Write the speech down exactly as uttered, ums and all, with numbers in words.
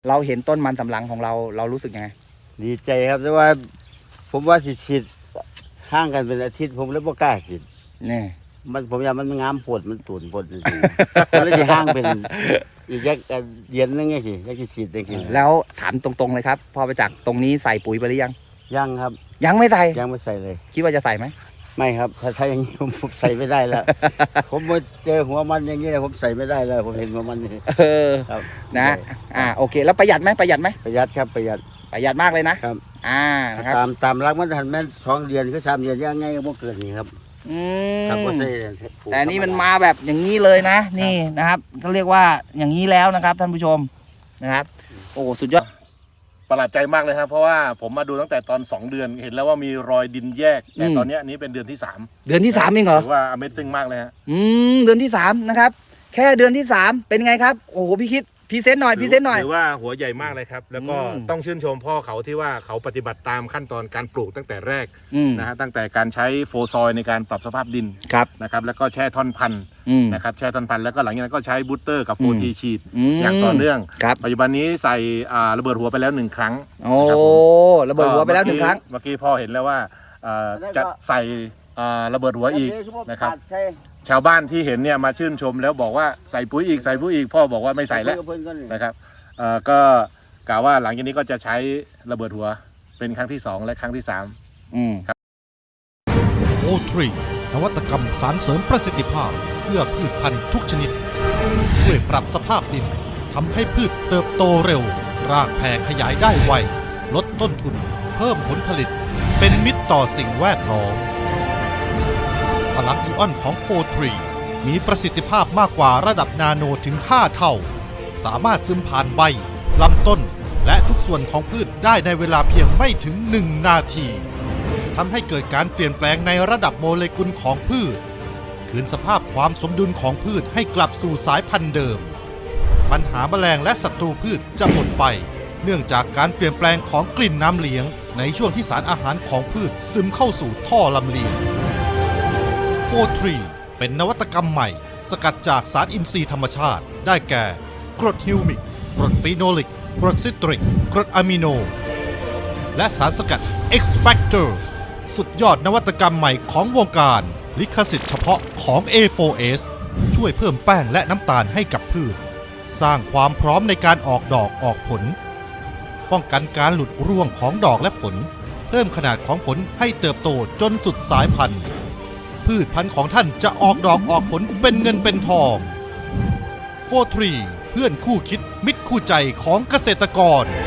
เราเห็นต้นมันสำปะหลังของเราเรารู้สึกยังไงดีใจครับแต่ว่าผมว่าสิฉีดห่างกันเป็นอาทิตย์ผมเลยบ่กล้าฉีดนี่มันผมอยากมันงามปวดมันตุ่นปวดจริงๆมันเลยจะห่างเป็นอีกแยกเย็นนึงไงสิแยกฉีดจริงๆแล้วถามตรงๆเลยครับพอไปจากตรงนี้ใส่ปุ๋ยไปหรือยังยังครับยังไม่ใส่ยังไม่ใส่เลยคิดว่าจะใส่ไหมไม่ครับถ้าถ้าอย่างนี้ผมใส่ไม่ได้แล้วผมมาเจอหัวมันอย่างนี้แล้วผมใส่ไม่ได้แล้วผมเห็นหัวมันนี่เออนะอ่าโอเคแล้วประหยัดไหมประหยัดไหมประหยัดครับประหยัดประหยัดมากเลยนะครับอ่านะครับตามตามรักมันทันแม่สองเดือนคือสามเดือนยังไงก็บ่เกิดนี่ครับอืมแต่นี่มันมาแบบอย่างนี้เลยนะนี่นะครับเขาเรียกว่าอย่างนี้แล้วนะครับท่านผู้ชมนะครับโอ้สุดยอดประหลาดใจมากเลยครับเพราะว่าผมมาดูตั้งแต่ตอนสองเดือนเห็นแล้วว่ามีรอยดินแยกแต่ตอนนี้นี้เป็นเดือนที่สามเดือนที่สามเองเหรอถือว่า Amazing มากเลยฮะอืมเดือนที่สามนะครับแค่เดือนที่สามเป็นไงครับโอ้โหพี่คิดพรีเซนต์หน่อยพรีเซนต์หน่อยถือว่าหัวใหญ่มากเลยครับแล้วก็ต้องชื่นชมพ่อเขาที่ว่าเขาปฏิบัติตามขั้นตอนการปลูกตั้งแต่แรกนะฮะตั้งแต่การใช้โฟซอยในการปรับสภาพดินนะครับแล้วก็แช่ท่อนพันธุ์นะครับแช่ท่อนพันธุ์แล้วก็หลังจากนั้นก็ใช้บูสเตอร์กับโฟทีชีดอย่างต่อเนื่องปัจจุบันนี้ใส่ระเบิดหัวไปแล้วหนึ่งครั้งโอ้ระเบิดหัวไปแล้วหนึ่งครั้งเมื่อกี้พ่อเห็นแล้วว่าจะใส่ระเบิดหัวอีกนะครับชาวบ้านที่เห็นเนี่ยมาชื่นชมแล้วบอกว่าใส่ปุ๋ยอีกใส่ปุ๋ยอีกพ่อบอกว่าไม่ใส่แล้วนะครับก็กล่าวว่าหลังจากนี้ก็จะใช้ระเบิดหัวเป็นครั้งที่สองและครั้งที่สามครับโอทรีนวัตกรรมสารเสริมประสิทธิภาพเพื่อพืชพันธุ์ทุกชนิดช่วยปรับสภาพดินทำให้พืชเติบโตเร็วรากแผ่ขยายได้ไวลดต้นทุนเพิ่มผลผลิตเป็นมิตรต่อสิ่งแวดล้อมพลังอิออนของโฟร์ทรีมีประสิทธิภาพมากกว่าระดับนาโนถึงห้าเท่าสามารถซึมผ่านใบลำต้นและทุกส่วนของพืชได้ในเวลาเพียงไม่ถึงหนึ่งนาทีทำให้เกิดการเปลี่ยนแปลงในระดับโมเลกุลของพืชคืนสภาพความสมดุลของพืชให้กลับสู่สายพันธุ์เดิมปัญหาแมลงและศัตรูพืชจะหมดไปเนื่องจากการเปลี่ยนแปลงของกลิ่นน้ำเลี้ยงในช่วงที่สารอาหารของพืชซึมเข้าสู่ท่อลำเลียงโฟร์ทรีเป็นนวัตกรรมใหม่สกัดจากสารอินทรีย์ธรรมชาติได้แก่กรดฮิวมิกกรดฟีโนลิกกรดซิตริกกรดอะมิโนและสารสกัด X Factor สุดยอดนวัตกรรมใหม่ของวงการลิขสิทธิ์เฉพาะของ เอ โฟร์ เอส ช่วยเพิ่มแป้งและน้ำตาลให้กับพืชสร้างความพร้อมในการออกดอกออกผลป้องกันการหลุดร่วงของดอกและผลเพิ่มขนาดของผลให้เติบโตจนสุดสายพันธุ์พืชพันธุ์ของท่านจะออกดอกออกผลเป็นเงินเป็นทองโฟร์ทรีเพื่อนคู่คิดมิตรคู่ใจของเกษตรกร